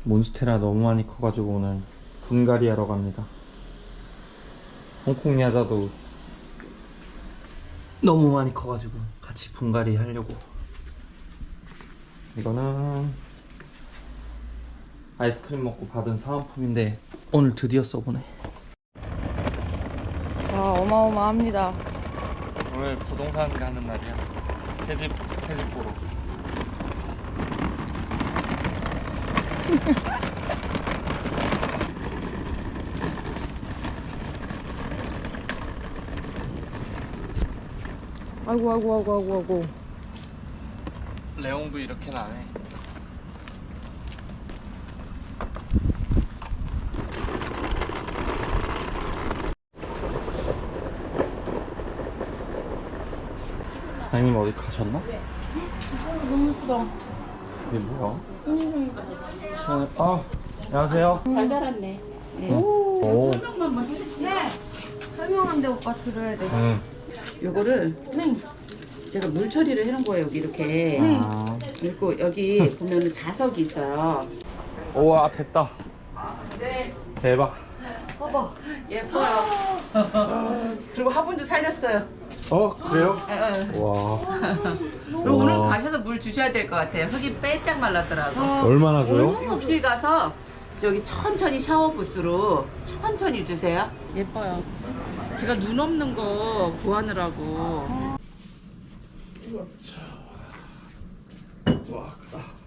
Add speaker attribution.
Speaker 1: 몬스테라 너무 많이 커가지고 오늘 분갈이 하러 갑니다. 홍콩 야자도 너무 많이 커가지고 같이 분갈이 하려고. 이거는 아이스크림 먹고 받은 사은품인데 오늘 드디어 써보네.
Speaker 2: 와, 어마어마합니다.
Speaker 1: 오늘 부동산 가는 날이야. 새집 보러.
Speaker 2: 아이고.
Speaker 1: 레옹도 이렇게 나네. 사장님 어디 가셨나?
Speaker 2: 너무 예쁘다.
Speaker 1: 이게 뭐야? 아, 안녕하세요.
Speaker 3: 잘 자랐네. 네.
Speaker 1: 오.
Speaker 2: 네. 설명한데 오빠 들어야 돼.
Speaker 3: 요거를 제가 물 처리를 해놓은 거예요. 여기 이렇게.
Speaker 1: 아.
Speaker 3: 그리고 여기 보면은 자석이 있어요.
Speaker 1: 우와, 됐다.
Speaker 3: 네.
Speaker 1: 대박.
Speaker 2: 봐봐.
Speaker 3: 예뻐요. 그리고 화분도 살렸어요.
Speaker 1: 그래요? 와.
Speaker 3: 그리고 오늘 가셔서 물 주셔야 될 것 같아요. 흙이 빼짝 말랐더라고.
Speaker 1: 얼마나 줘요?
Speaker 3: 혹시 가서 저기 천천히 샤워 부스로 천천히 주세요. 예뻐요. 제가 눈 없는 거 구하느라고.
Speaker 1: 와, 크다.